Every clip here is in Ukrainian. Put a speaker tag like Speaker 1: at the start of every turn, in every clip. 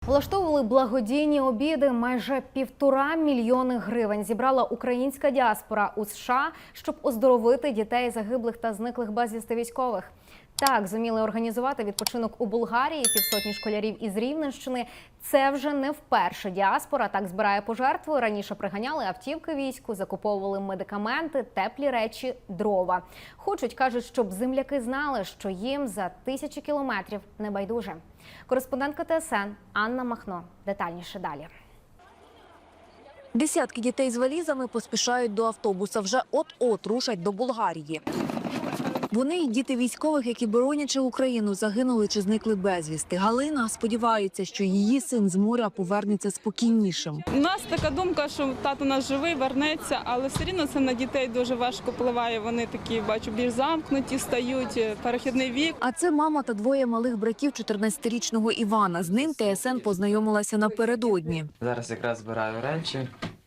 Speaker 1: Влаштовували благодійні обіди. Майже 1,5 мільйони гривень зібрала українська діаспора у США, щоб оздоровити дітей загиблих та зниклих безвісти військових. Так, зуміли організувати відпочинок у Болгарії півсотні школярів із Рівненщини. Це вже не вперше діаспора так збирає пожертви. Раніше приганяли автівки війську, закуповували медикаменти, теплі речі, дрова. Хочуть, кажуть, щоб земляки знали, що їм за тисячі кілометрів не байдуже. Кореспондентка ТСН Анна Махно. Детальніше далі.
Speaker 2: Десятки дітей з валізами поспішають до автобуса. Вже от-от рушать до Болгарії. Вони й діти військових, які, боронячи Україну, загинули чи зникли безвісти. Галина сподівається, що її син з моря повернеться спокійнішим.
Speaker 3: У нас така думка, що тато наш живий, вернеться, але все рівно це на дітей дуже важко впливає. Вони такі, бачу, більш замкнуті, стають, перехідний вік.
Speaker 2: А це мама та двоє малих братів 14-річного Івана. З ним ТСН познайомилася напередодні.
Speaker 4: Зараз якраз збираю речі.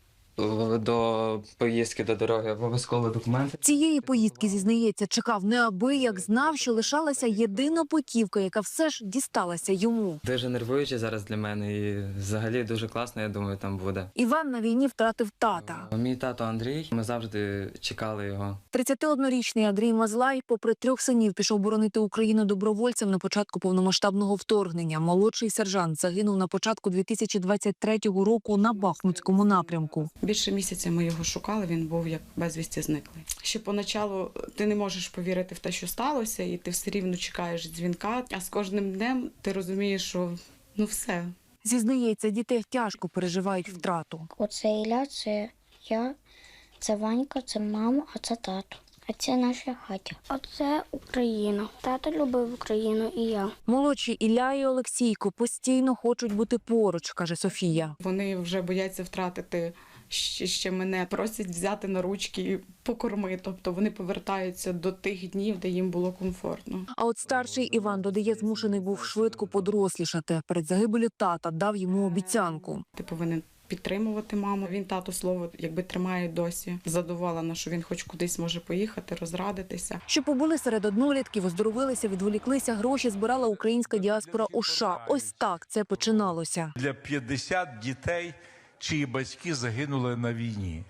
Speaker 4: До поїздки, до дороги обов'язково документи.
Speaker 2: Цієї поїздки, зізнається, чекав неабияк, знав, що лишалася єдина путівка, яка все ж дісталася йому.
Speaker 4: Дуже нервуюче зараз для мене і взагалі дуже класно, я думаю, там буде.
Speaker 2: Іван на війні втратив тата.
Speaker 4: Мій тато Андрій, ми завжди чекали його.
Speaker 2: 31-річний Андрій Мазлай, попри 3 синів, пішов боронити Україну добровольцем на початку повномасштабного вторгнення. Молодший сержант загинув на початку 2023 року на Бахмутському напрямку.
Speaker 5: Більше місяця ми його шукали, він був як безвісті зниклий. Ще поначалу ти не можеш повірити в те, що сталося, і ти все рівно чекаєш дзвінка, а з кожним днем ти розумієш, що все.
Speaker 2: Зізнається, дітей тяжко переживають втрату.
Speaker 6: Оце Ілля, це я, це Ванька, це мама, а це тато. А це наша хатя. А це Україна. Тато любив Україну і я.
Speaker 2: Молодші Ілля і Олексійко постійно хочуть бути поруч, каже Софія.
Speaker 5: Вони вже бояться втратити ще мене, просять взяти на ручки і покорми. Тобто вони повертаються до тих днів, де їм було комфортно.
Speaker 2: А от старший Іван, додає, змушений був швидко подорослішати. Перед загибелю тата дав йому обіцянку.
Speaker 5: Ти повинен підтримувати маму. Він тато слово якби тримає досі. Задоволена, що він хоч кудись може поїхати, розрадитися.
Speaker 2: Що побули серед однолітків, оздоровилися, відволіклися, гроші збирала українська діаспора у США. Ось так це починалося.
Speaker 7: Для 50 дітей, чиї батьки загинули на війні.